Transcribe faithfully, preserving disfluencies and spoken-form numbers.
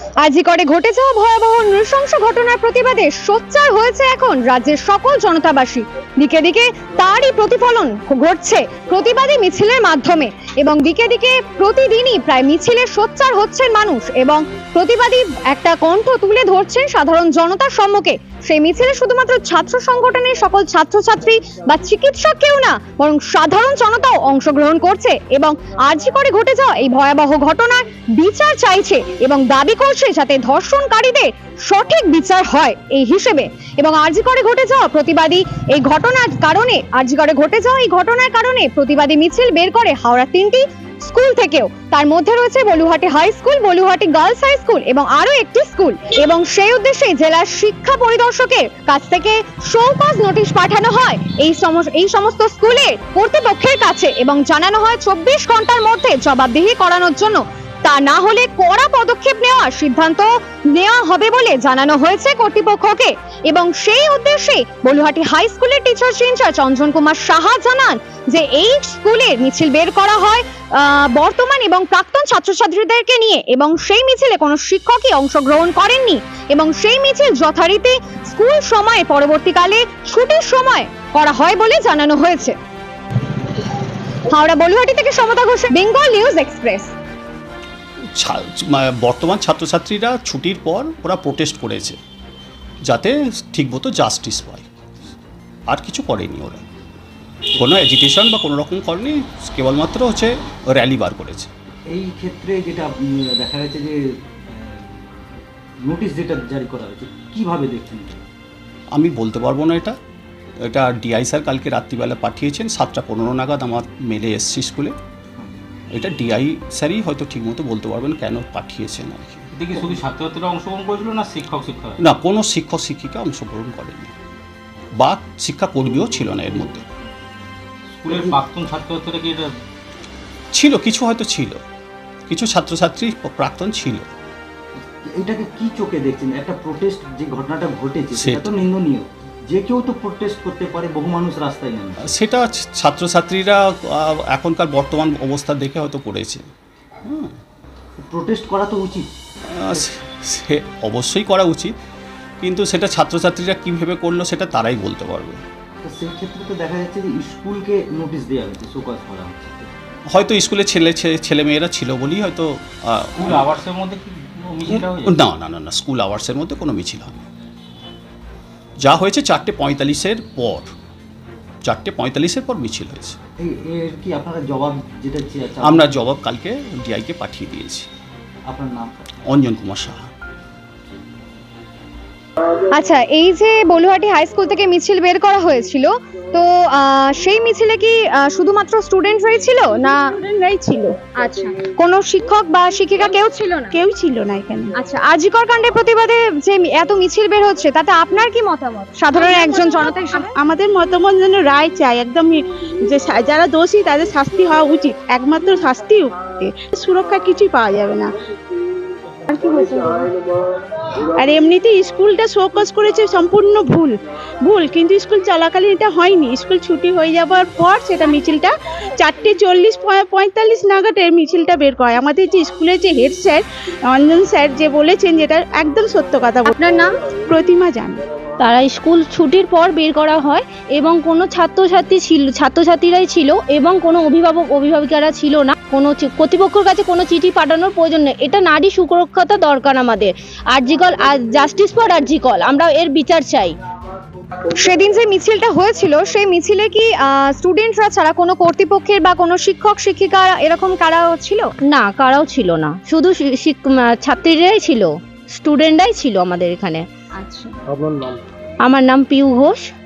আজি করে ঘটে যাওয়া ভয়াবহ নৃশংস ঘটনার প্রতিবাদে সোচ্চার হয়েছে এখন রাজ্যের সকল জনতাবাসী। দিকে দিকে তারই প্রতিফলন ঘটছে প্রতিবাদী মিছিলের মাধ্যমে, এবং দিকে দিকে প্রতিদিনই প্রায় মিছিলে সোচ্চার হচ্ছেন মানুষ এবং প্রতিবাদী একটা কণ্ঠ তুলে ধরছেন সাধারণ জনতার সম্মুখে। সেই মিছিলে শুধুমাত্র ছাত্র সংগঠনের সকল ছাত্রছাত্রী বা চিকিৎসক কেউ না, বরং সাধারণ জনতাও অংশগ্রহণ করছে এবং আরজি করে ঘটে যাওয়া এই ভয়াবহ ঘটনার বিচার চাইছে এবং দাবি করছে যাতে ধর্ষণকারীদের সঠিক বিচার হয় এই হিসেবে। এবং আরজি করে ঘটে যাওয়া প্রতিবাদী এই ঘটনার কারণে আরজি করে ঘটে যাওয়া এই ঘটনার কারণে প্রতিবাদী মিছিল বের করে হাওড়া তিনটি স্কুল থেকেও, তার মধ্যে রয়েছে Baluhati high school, Baluhati girls high school এবং আরো একটি স্কুল। এবং সেই উদ্দেশ্যে জেলার শিক্ষা পরিদর্শকের কাছ থেকে শোকজ নোটিশ পাঠানো হয় এই এই সমস্ত স্কুলের কর্তৃপক্ষের কাছে এবং জানানো হয় চব্বিশ ঘন্টার মধ্যে জবাবদিহি করানোর জন্য, তা না হলে কড়া পদক্ষেপ নেওয়ার সিদ্ধান্ত নেওয়া হবে বলে জানানো হয়েছে কর্তৃপক্ষকে। এবং সেই উদ্দেশ্যে বলুহাটি হাই স্কুলের টিচার ইনচার্জ চঞ্জন কুমার সাহা জানান যে এই স্কুলের মিছিল বের করা হয় বর্তমান এবং প্রাক্তন ছাত্রছাত্রীদেরকে নিয়ে, এবং সেই মিছিলে কোনো শিক্ষকই অংশগ্রহণ করেননি এবং সেই মিছিল যথারীতি স্কুল সময়ে পরবর্তীকালে ছুটির সময় করা হয় বলে জানানো হয়েছে। হাওড়া বলুহাটি থেকে সমতা ঘোষ, বেঙ্গল নিউজ এক্সপ্রেস। বর্তমান ছাত্রছাত্রীরা ছুটির পর ওরা প্রোটেস্ট করেছে যাতে ঠিকমতো জাস্টিস পায়, আর কিছু করেনি ওরা, কোনো এজিটেশন বা কোনো রকম করেনি, কেবলমাত্র হচ্ছে র্যালি বার করেছে। এই ক্ষেত্রে যেটা দেখা গেছে যে নোটিশ যেটা জারি করা হয়েছে, কিভাবে দেখছেন? আমি বলতে পারবো না এটা এটা ডিআই স্যার কালকে রাত্রিবেলা পাঠিয়েছেন, সাতটা পনেরো নাগাদ আমার মেলে এসছি স্কুলে। এটা ডিআই স্যারই হয়তো ঠিকমতো বলতে পারবেন কেন পাঠিয়েছেন আর কি। এটা কি শুধু ছাত্রছাত্রীরা অংশগ্রহণ করেছিল না শিক্ষক শিক্ষক? না, কোনো শিক্ষক শিক্ষিকা অংশগ্রহণ করেনি বা শিক্ষাকর্মীও ছিল না এর মধ্যে। স্কুলের প্রাক্তন ছাত্রছাত্রীরা কি এটা ছিল? কিছু হয়তো ছিল, কিছু ছাত্রছাত্রী প্রাক্তন ছিল। এটাকে কি চোখে দেখছেন? একটা প্রোটেস্ট যে ঘটনাটা ঘটেছে সেটা তো নিন্দনীয়, যে কেউ তো প্রোটেস্ট করতে পারে, বহু মানুষ রাস্তায় নেমে, সেটা ছাত্রছাত্রীরা এখনকার বর্তমান অবস্থা দেখে হয়তো করেছে। প্রোটেস্ট করা তো উচিত, সে অবশ্যই করা উচিত, কিন্তু সেটা ছাত্রছাত্রীরা কীভাবে করলো সেটা তারাই বলতে পারবে। তো সেই ক্ষেত্রে তো দেখা যাচ্ছে যে স্কুলকে নোটিশ দেওয়া হয়েছে, শোকজ করা হচ্ছে। হয়তো স্কুলে ছেলে ছেলে মেয়েরা ছিল বলেই হয়তো। স্কুল আওয়ার্সের মধ্যে কি মিছিল হয়েছে? না না না না স্কুল আওয়ার্সের মধ্যে কোনো মিছিল হয়নি। যা হয়েছে চারটে পঁয়তাল্লিশের পর, চারটে পঁয়তাল্লিশের পর মিছিল হয়েছে। এর কি আপনারা জবাব যেটা আমরা জবাব কালকে ডিআইকে পাঠিয়ে দিয়েছি। আপনার নাম? অঞ্জন কুমার সাহা। আচ্ছা, এই যে বলুহাটি হাই স্কুল থেকে মিছিল বের করা হয়েছিল, তো সেই মিছিলে কি শুধুমাত্র স্টুডেন্টরাই ছিল না? স্টুডেন্টরাই ছিল। আচ্ছা, কোনো শিক্ষক বা শিক্ষিকা কেউ ছিল না? কেউ ছিল না এখানে। আচ্ছা, আরজিকর কাণ্ডের প্রতিবাদে যে এত মিছিল বের হচ্ছে তাতে আপনার কি মতামত সাধারণ একজন জনতা হিসেবে? আমাদের মতামত যেন রায় চাই, একদম যে যারা দোষী তাদের শাস্তি হওয়া উচিত, একমাত্র শাস্তি, সুরক্ষা কিছুই পাওয়া যাবে না। আর কি বলতে আর এমনিতে স্কুলটা শোকজ করেছে সম্পূর্ণ ভুল ভুল কিন্তু স্কুল চলাকালীন এটা হয়নি। স্কুল ছুটি হয়ে যাওয়ার পর সেটা মিছিলটা চারটে চল্লিশ পঁয়তাল্লিশ নাগাদ এর মিছিলটা বের করে। আমাদের যে স্কুলের যে হেড স্যার অঞ্জন স্যার যে বলেছেন যেটা একদম সত্য কথা। আপনার নাম? প্রতিমা জান। তারা স্কুল ছুটির পর বের করা হয় এবং কোনো ছাত্রছাত্রী ছিল ছাত্রছাত্রীরাই ছিল এবং কোনো অভিভাবক অভিভাবিকারা ছিল না। কোনো কর্তৃপক্ষের কাছে কোনো চিঠি পাঠানোর প্রয়োজন নেই। এটা নারী সুরক্ষতা দরকার আমাদের। আরজিকল, জাস্টিস ফর আরজিকল, আমরা এর বিচার চাই। সেদিন যে মিছিলটা হয়েছিল সেই মিছিলে কি স্টুডেন্টরা ছাড়া কোনো কর্তৃপক্ষের বা কোনো শিক্ষক শিক্ষিকা এরকম কারা ছিল? না, কারাও ছিল না, শুধু ছাত্রীরাই ছিল, স্টুডেন্টরাই ছিল আমাদের এখানে। আচ্ছা, আমার নাম পিউ ঘোষ।